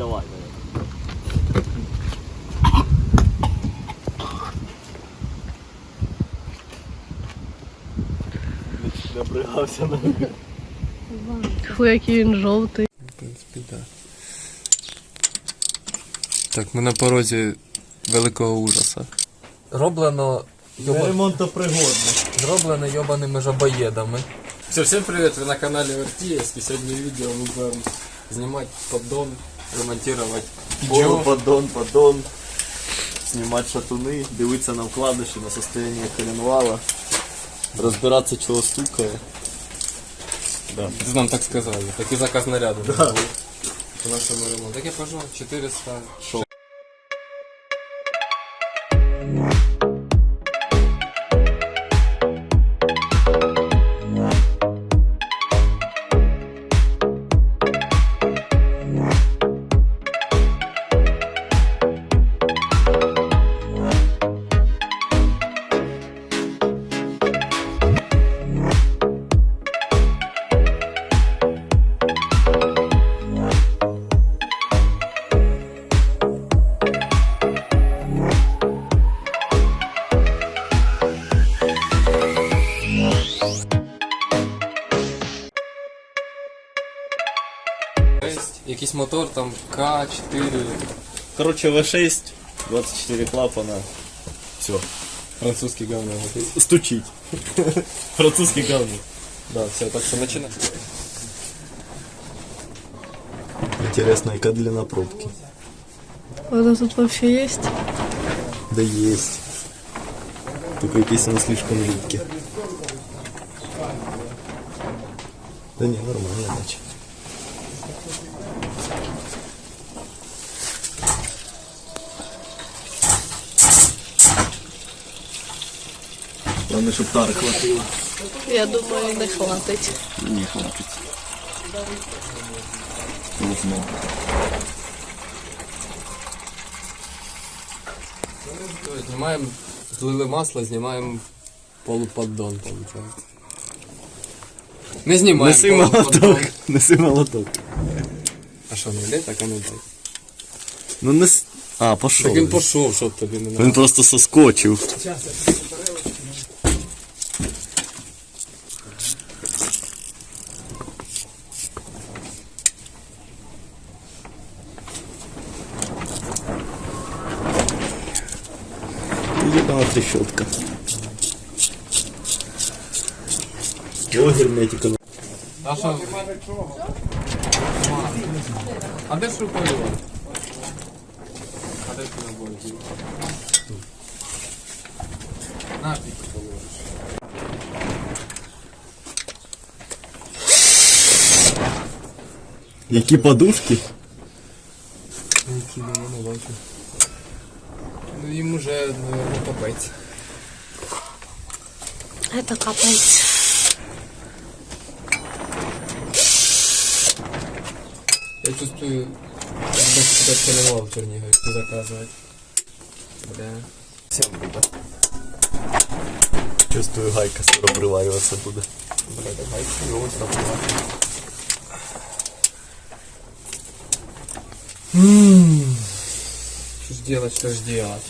давай. Напрягався на. Фу, який він жовтий. В принципі, так. Так, ми на порозі великого ужаса. Роблено Зроблено йобаними жабоєдами. Все, всім привіт, ви на каналі Вертієвський. Сьогодні відео ми будемо знімати поддон, ремонтувати Поддон. Знімати шатуни, дивитися на вкладиші, на состояние коленвала. Розбиратися, чого стукає. Да. Це нам так сказали, такий заказ наряду. Да. По нашому ремонту. Так я пожав 400. Шо? Якийсь мотор там К4. Короче, V6, 24 клапана. Все. Французский говно. Стучить. Французский говно. Да, все, так что начинаем. Интересно, яка длина пробки? Это тут вообще есть? Да есть. Только якийсь он слишком жидкий. Да не, нормально, иначе. Главное, щоб тари хватило. Я думаю, не хватить. Не хватить. Ровно. Знімаємо, злили масло, знімаємо полуподдон, виходить. Не знімаємо Неси молоток. полуподдон. Неси молоток. А що, не йде, так а не йде. Ну не... А, пошов. Так він пішов, щоб тобі не надо. Він просто соскочив. Ебана трещотка. О, герметика. А що? А де ж руководила? А де ж руководила? На, піку поливаєш. Які подушки? Які не бачу. Ну їм уже не капець. Это капец. Я чувствую, как тебя целевал в Чернигове, что заказывать. Бля. Всем буду. Чувствую, гайка скоро приварюватися буде. Бля, давай, его сработало. Что ж делать, что ж делать?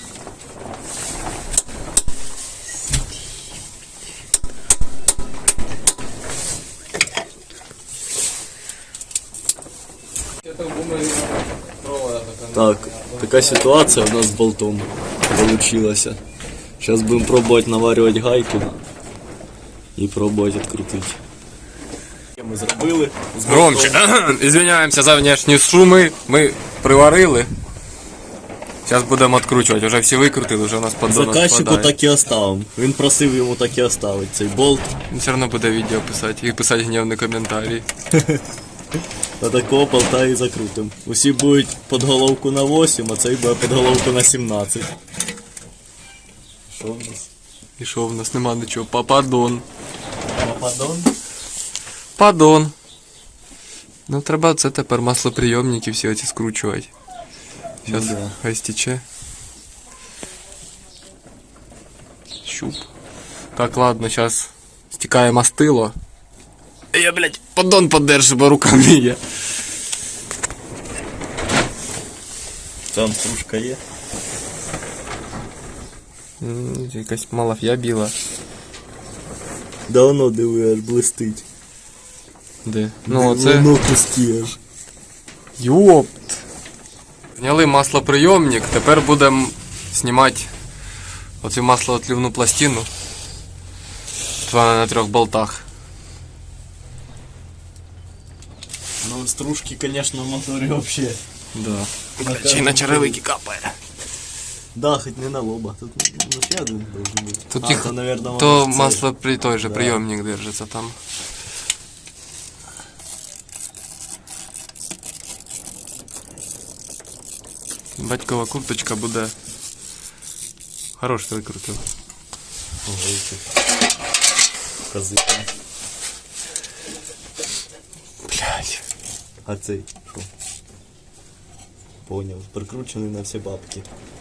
Это думаю, провода такая. Так, така ситуація у нас з болтом получилася. Зараз будемо пробувати наварювати гайки і пробувати відкрутити. Ми зробили. з Громче. болтом. Извиняемся за внешние шумы. Мы приварили. Сейчас будем откручивать. Уже всі викрутили, вже у нас поддон Заказчику спадає. так і оставимо. Він просив йому так і оставити цей болт. Він все одно буде відео писати і писати гнівні коментарі. На такого болта і закрутимо. Усі будуть під головку на 8, а цей буде під головку на 17. Що в нас? І що, в нас нема нічого. Поддон. Пападон? Поддон. Ну треба це тепер маслоприйомники всі оці скручувати. Зараз Ну да. хай стече. Щуп. Так, ладно, зараз стікає мастило. Я, блядь, поддон поддержу, бо рука не є. Там стружка є. Якась малаф'я біла. Давно диви, аж блистить. Де? Ну, це... Воно пусті аж. Йопт! Зняли маслоприйомник, тепер будемо знімати оцю маслоотлівну пластину. Вона на 3 болтах. Ну, стружки, конечно, в моторі вообще. Да. Чи й на черевики капає. Да, хоть не на лоба. Тут ну, ще один должен бути. Тут їх, то, наверное, то може, масло при той же Да. прийомник держиться там. Батькова курточка буде. Хорош викрутив. Ого, кози. Блядь. А цей що? Поняв. Прикручений на всі бабки.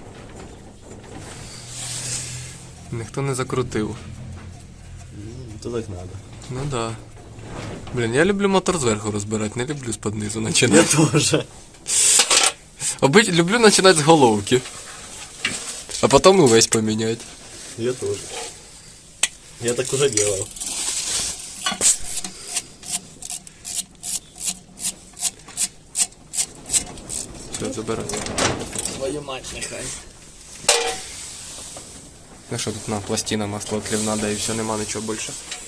Ніхто не закрутив. То так надо. Ну да. Блін, я люблю мотор зверху розбирати, не люблю з-під низу Я починати. тоже. Люблю починати з головки. А потім увесь поміняти. Я тоже. Я так уже делал. Все, забирай. Твою мать, нехай. Ну що тут на пластина маслоотлівна, да і все, нема нічого більше.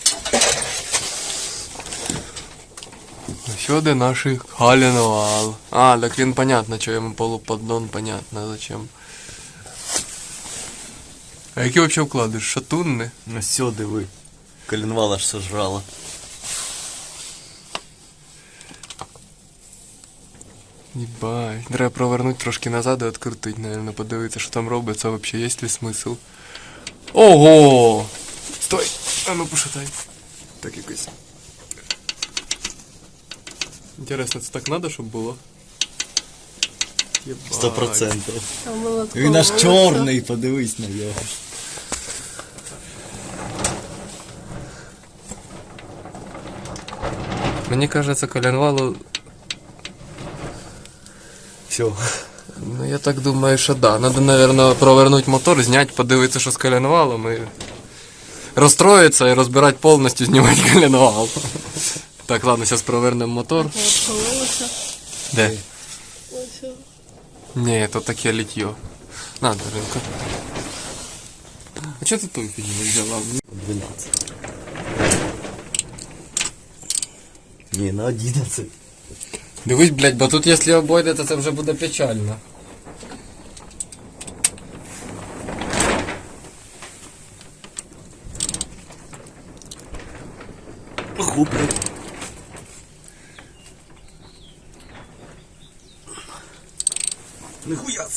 Сюди наш коленвал. А, так він понятно, що йому полуподдон, понятно, зачем. А які вообще вкладиш? Шатунни? Ну все, диви. Коленвал аж сожрала. Єбать. Треба провернути трошки назад і відкрутити, наверное, подивитися, що там робиться, вообще є ли смисл. Ого! Стой! А ну пошатай. Так якось. Інтересно, це так треба, щоб було? Єбать. 100%. Там було Він аж такого чорний, подивись на нього. Мені кажется, коленвалу... Все. Ну я так думаю, що да. Надо, наверное, провернути мотор, зняти, подивитися, що з коленвалом і... розстроїтися і розбирати повністю, знімати коленвал. Так, ладно, зараз провернемо мотор. Відхилилося. Де? Ось. Ні, то таке літьо. На, Даринка. А чого ти той фільм не взяла? 12. Ні, на 11. Дивись, блядь, бо тут якщо обойде, то це вже буде печально. Губли. Нихуя.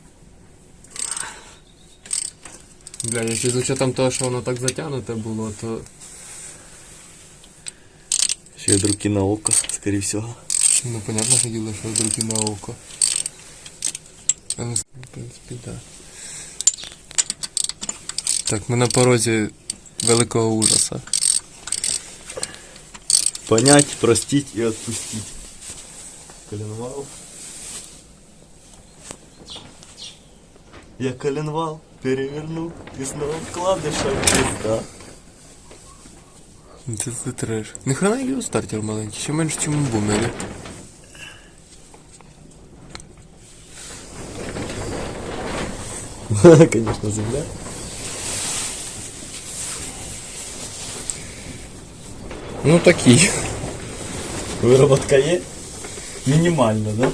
Бля, якщо з учетом того, що воно так затягнуте було, то... Ще й руки на око, скорее всего. Ну, понятно, що діло, що руки на око. А ну, в принципі, да. Так, ми на порозі великого ужаса. Понять, простить и отпустить. Коленвал. Я коленвал перевернул и снова вкладыша пизда. Це треш. Ніхрена його стартер маленький, ще менше, ніж у бумері. Конечно, земля. Ну такий. Выработка есть? Минимально, да?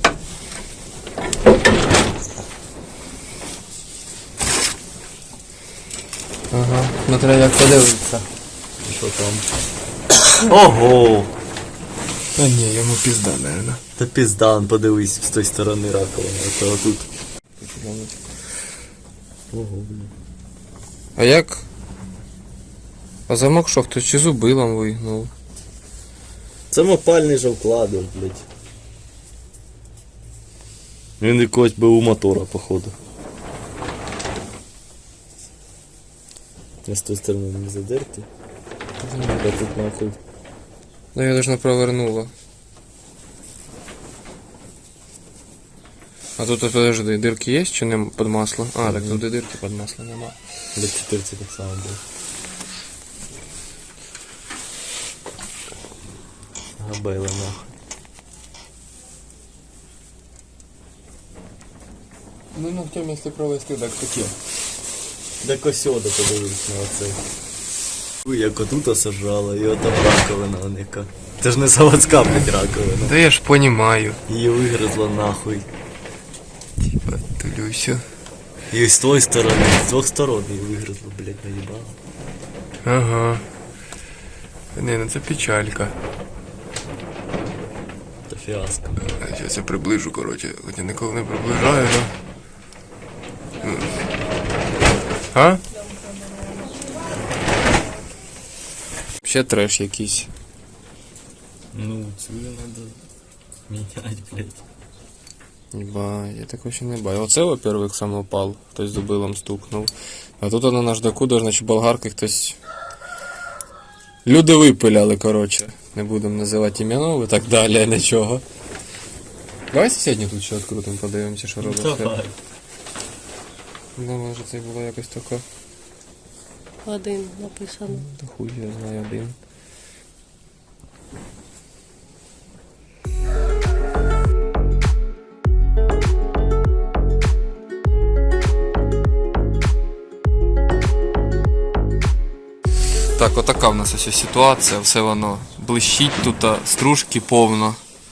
Ага, ну треба як подивитися. Что там? Ого! Та ні, йому пізда, наверное. Да пизда, он подивись с той стороны раковины. Это тут. Ого, блин. А як? А замок що, хтось чи зубилом вигнув? Це мопальний же вкладиш, блядь. Він якогось би у мотора, походу. Я з тої сторони не задерти. Я тут нахуй. Да я должна провернула. А тут, подожди, дырки есть чи не під масло? А, так тут і дирки під масло нема. До 14 так само було. Габейла нахуй. Ну, ногтем, якщо провести, так таке. Де косьода подивись на оцей. Ой, як отута сажала, і ота раковина оника. Це ж не заводська, блядь, раковина. Да я ж понимаю. Її вигризла нахуй. Типа, Тулюсю. І з тої сторони, з двох сторон її вигризла, блядь, наїбала. Ага. Не, ну це печалька. Та фіаско. Зараз я приближу, коротше, хоча ніколи не приближаю, да? А? Ще треш якийсь. Ну, цю надо міняти, блядь. Ба, я такого ще не бачив. Оце, во-первых, самопал, хтось зубилом стукнув. А тут на наждаку, значить, болгарки хтось... Люди випиляли, коротше. Не будемо називати ім'янов і так далі, нічого. Давай сьогодні тут ще відкрутимо, подивимося, що робиться. Давай. Ну, може це було якось таке. Один написано. Та хуй я знаю один. Так, отака в нас ось ситуація, все воно блищить тут, стружки повно.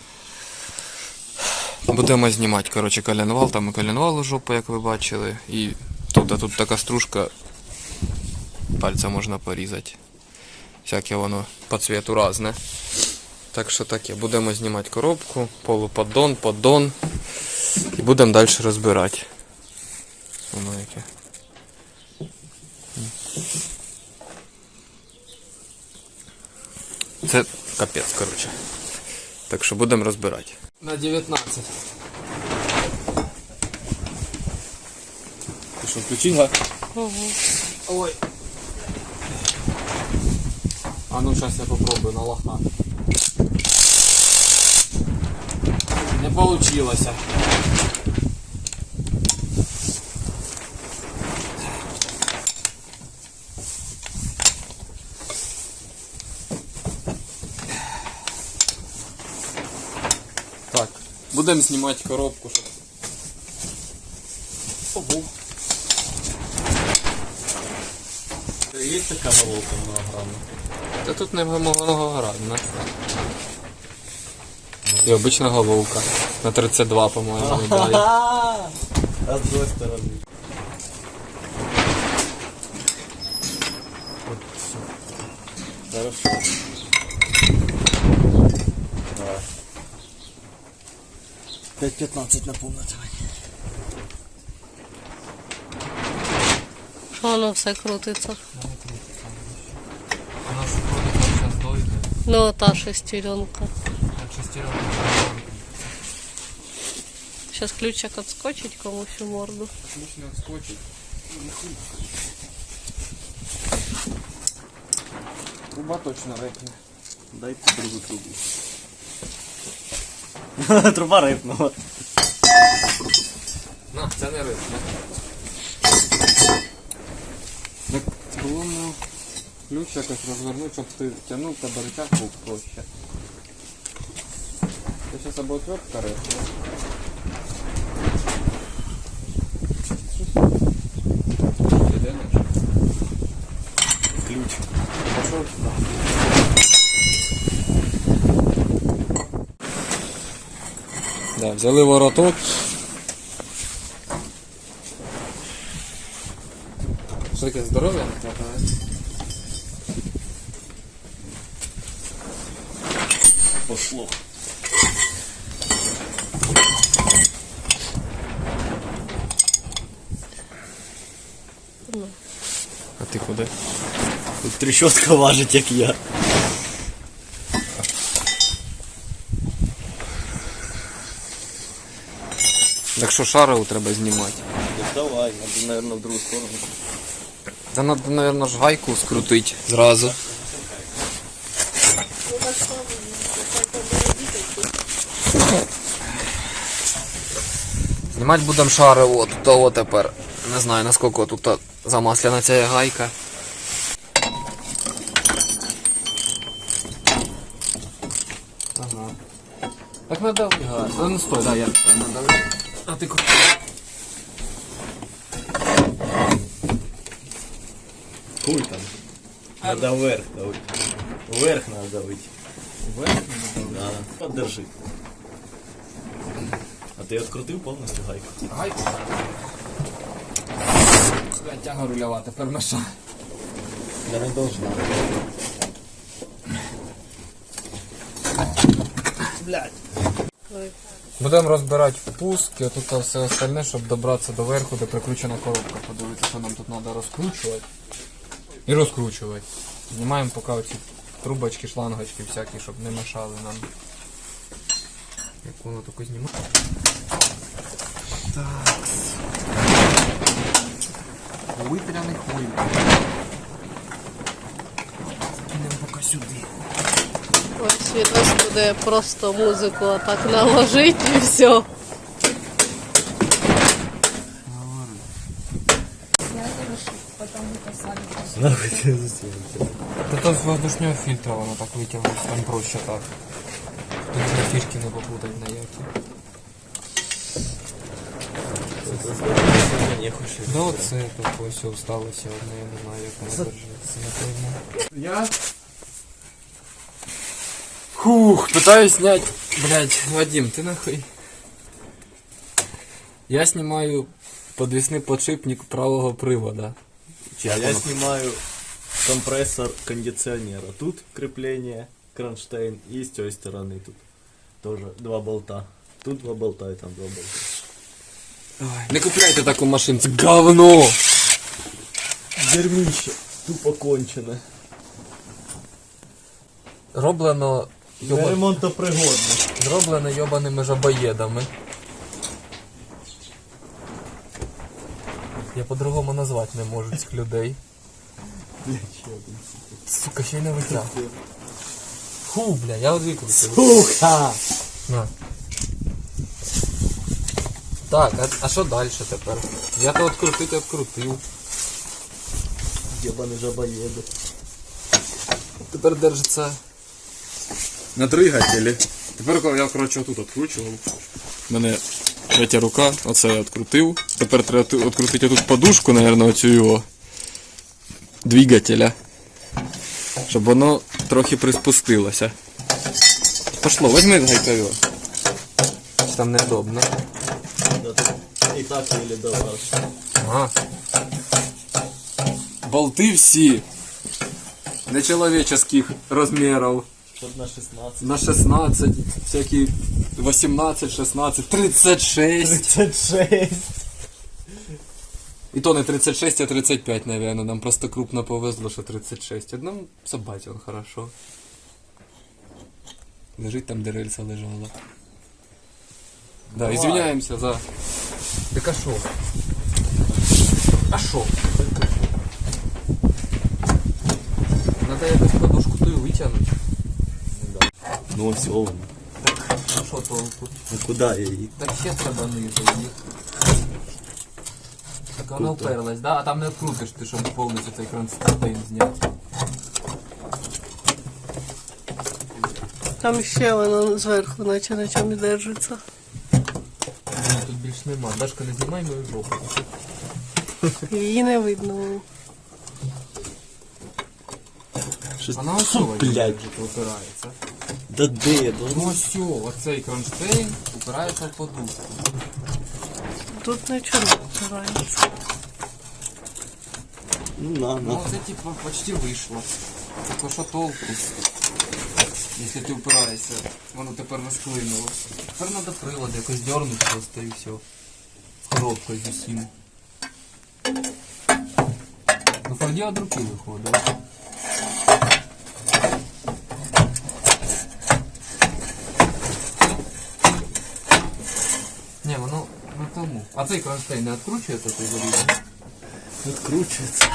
Будемо знімати, коротше, коленвал, там і коленвал жопа, як ви бачили. І тут така стружка, пальця можна порізати. Всяке воно по цвету разне. Так що таке, будемо знімати коробку, полуподдон, поддон. І будемо далі розбирати. Воно яке. Це капець, коротше. Так що будемо розбирати. На 19. Ти що, включив, га? Угу. Ой. А ну сейчас я попробую на лоха. Не получилось. Так, будемо знімати коробку, щоб... Ого. Є така головка многогранна? Та тут не многоградна. І обична головка. На 32, по-моєму, медалі. А з другої сторони. От все. Хорошо. Давай. 5:15 наповнити. Що воно все крутиться? У нас вроде зараз дойде. Ну, та шестеренка. Як шестеренка. Сейчас ключик отскочить комусь у морду. Ключ не відскочить. Труба точно репне. Дайте другу трубу. Труба рипнула. На, це не репне. Так було мені ключ якось розвернути, щоб ти тягнув, та рычаг був проще. Це зараз або отвертка репне. Ключ. Пошел сюда. Да, взяли вороток. Що таке, здоров'я не хватає? Пошло. А ти куди? Тут трещотка важить, як я. Так що шару треба знімати? Давай, надо, наверное, в другу сторону. Та треба, мабуть, ж гайку скрутити зразу. Знімати будемо шари, от того тепер. Не знаю наскільки тут замасляна ця гайка. Ага. Так надави газ. Ну стой, да, я надави. А ти куди? Хуй там. Надо вверх давить. Вверх надо давить. Вверх? Да. Подержи. А ти відкрутив повністю гайку? Гайку? Тяга рульова, тепер меша. Я не должна. Блядь. Ой. Будемо розбирати впуски, а тут все остальне, щоб добратися до верху, де прикручена коробка. Подивитися, що нам тут треба розкручувати. І розкручувати. Знімаємо поки оці трубочки, шлангочки всякі, щоб не мешали нам. Як воно таке знімає? Так. Витряний хуй. Кинемо поки сюди. Ось відос буде просто музику отак наложить і все. Нахуй ти засунувся. Это с воздушного фильтра воно так витягнуть, там проще так. Тут на фішки не попутать на які. Не хочу. Да оце тут ось осталося одне, я не знаю як воно держиться, напевно. Я? Фух, пытаюсь снять. Блять, Вадим, ты нахуй. Я снимаю подвесный подшипник правого привода. А я снимаю компрессор кондиционера. Тут крепление, кронштейн, и с той стороны тут тоже два болта. Тут два болта и там два болта. Не купляйте таку машину, це говно! Дерьмище, тупо кончене. Роблено Для ремонтопригодне. Зроблено йобаними жабоєдами. Я по-другому назвати не можу цих людей. Сука, ще й не витяг. Фу, бля, я відвіклюся. Сука! На. Так, а що далі тепер? Я то відкрутив. Ебаный жабоеды. Тепер держиться на двигателі. Тепер коли я, коротше, отут відкручував. У мене третя рука, оце я відкрутив. Тепер треба відкрутити отут подушку, мабуть, оцю його двигателя. Щоб воно трохи приспустилося. Пошло, возьми гайково. Там неудобно. И так еле добрался. Ага. Болти всі нечеловеческих розмірів. Чтоб на 16. На 16, всякі 18, 16, 36. 36. І то не 36, а 35, наверное. Нам просто крупно повезло, що 36. Одному собаці он хорошо. Лежить там, де рельса лежала. Да, Давай. извиняемся за... Так а шо? А шо? Надо якось подушку ту витягнути. Ну все, ну А шо толку? куда я її? Так ще треба ниже їх. Так вона вперлась, да? А там не відкрутиш ти, щоб повністю цей кронштейн зняти. Там ще воно зверху, наче на чомусь держиться. Ні, тут більш нема. Дашка, не знімай мою жопу. Її не видно. Вона ось блядь. упирається. Да де? Ну ось, оцей кронштейн упирається в подушку. Тут нічого не впирається. Ну на. Ну це типа почти вийшло. Так що толку? Якщо ти упираєшся, воно тепер розклинуло. Тепер треба прилад якось дернути просто і все. З коробкою з усім. Ну Форді від руки виходить. Не, воно на тому. А цей кронштейн не відкручується той залізо? Откручивается.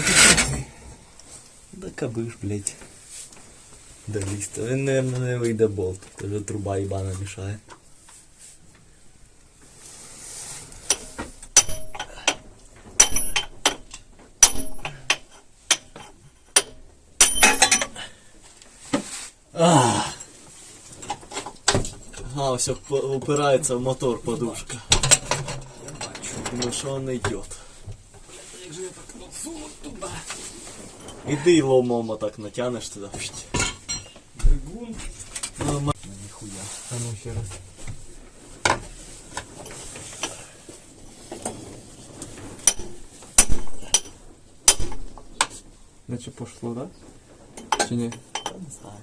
Да кабиш, блядь. Да лист. Він, наверное, не вийде болт. Це вже труба їбана мішає. А, все упирается в мотор подушка. Думаю, что он идет. Як же я так сунуть туди? Иди ломом так натянешь туда. Двигун. Нихуя. А ну ще раз. Наче пошло, да? Чи ні? Не знаю.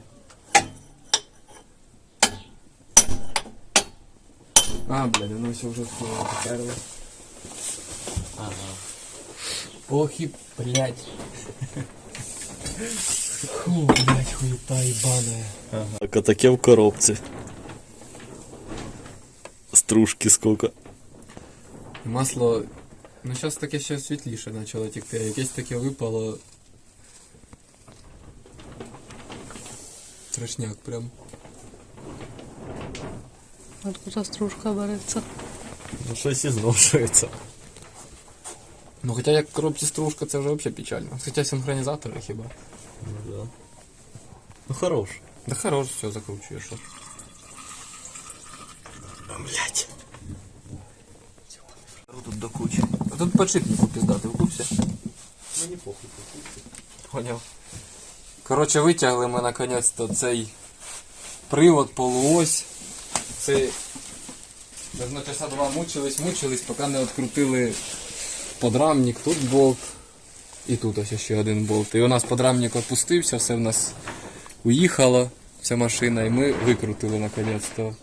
А, блядь, воно все вже поперло. Ага. Ох и, блядь. Фу, блядь, хуета ебаная. Так, а таке в коробці. Стружки сколько. Масло, ну зараз таке ще світліше почало текти, а якесь таке випало. Страшняк прям. Откуда стружка береться? Ну щось і зношується. Ну хоча як в коробці стружка, це вже взагалі печально. Хоча синхронізатори хіба. Ну да. Ну хорош. Да хорош, все закручуєш. Блять. Тут до кучі. А тут подшипнику піздати, в курсі? Мені похуй. Поняв. Коротше, витягли ми наконець-то цей привод, полуось. Це давно часа два мучились, поки не відкрутили подрамник, тут болт. І тут ось ще один болт. І у нас подрамник відпустився, все в нас уїхало, вся машина, і ми викрутили наконець-то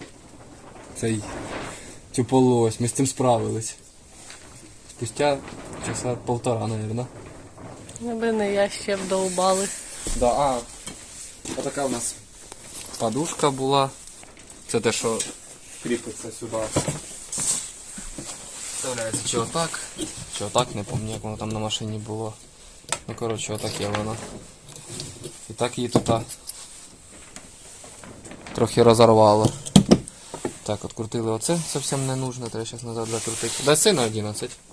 цю полуось. Ми з цим справились. Спустя часа полтора, мабуть. Якби не я ще б довбали. Да, отака у нас подушка була. Це те, що кріпиться сюди. Вставляється чи отак, не пам'ятаю, як воно там на машині було. Ну, коротше, отаке воно. І так її тут трохи розорвало. Так, открутили оце, зовсім не нужно, треба зараз назад закрутити. Дай сина 11.